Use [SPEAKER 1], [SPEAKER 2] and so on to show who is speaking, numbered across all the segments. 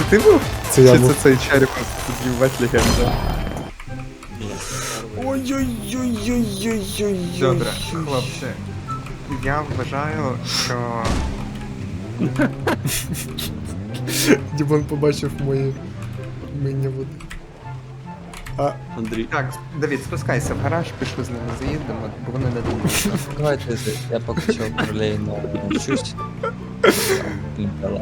[SPEAKER 1] ти був?
[SPEAKER 2] Це я
[SPEAKER 1] Чи
[SPEAKER 2] був.
[SPEAKER 1] це цей череп збивати легенда?
[SPEAKER 2] Ой-ой-ой-ой-ой-ой-ой.
[SPEAKER 1] Добре, хлопці. Я вважаю, що...
[SPEAKER 2] Дімон побачив мої вміння води.
[SPEAKER 3] Андрій.
[SPEAKER 1] Так, Давід, спускайся в гараж, пішли з ними заїдемо, бо вони не думають.
[SPEAKER 4] Давайте, я поки що паралельно вчусь. Лімпела.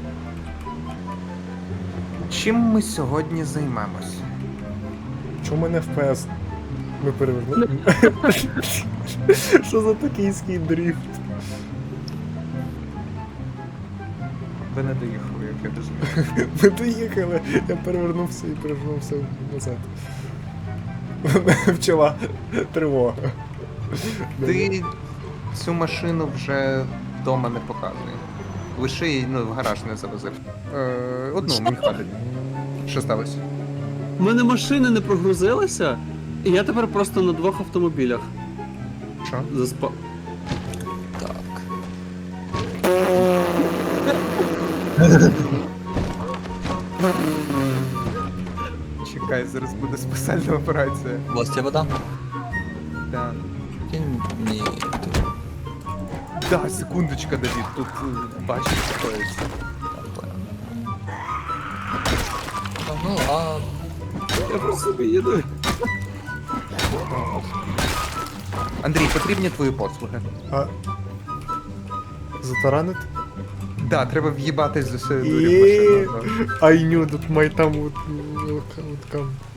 [SPEAKER 1] Чим ми сьогодні займемось?
[SPEAKER 2] Чому мене FPS? Ми перевернули. Що за токійський дріфт?
[SPEAKER 1] Ви не доїхали, як я розумію.
[SPEAKER 2] Ми доїхали, я перевернувся і перевернувся назад. Вчила тривога.
[SPEAKER 1] Ти цю машину вже вдома не показує. Лише її, в гараж не завозив. Одну, мені хватить. Що сталося?
[SPEAKER 3] У мене машини не прогрузилися, і я тепер просто на двох автомобілях
[SPEAKER 1] Що?
[SPEAKER 3] заспав.
[SPEAKER 4] Так.
[SPEAKER 1] Чекай, зараз буде спеціальна операція.
[SPEAKER 4] У вас є вода?
[SPEAKER 1] Да.
[SPEAKER 4] Кинь мені ту.
[SPEAKER 1] Да, секундочка, Давід, тут бачиш, що це.
[SPEAKER 4] Там понял. Ну ладно.
[SPEAKER 3] Я просто собі їду.
[SPEAKER 1] Андрій, потрібні твої послуги.
[SPEAKER 2] А затаранити?
[SPEAKER 1] Да, треба в'їбатись з усією
[SPEAKER 2] І-
[SPEAKER 1] дурю в машину.
[SPEAKER 2] I knew that my time would come.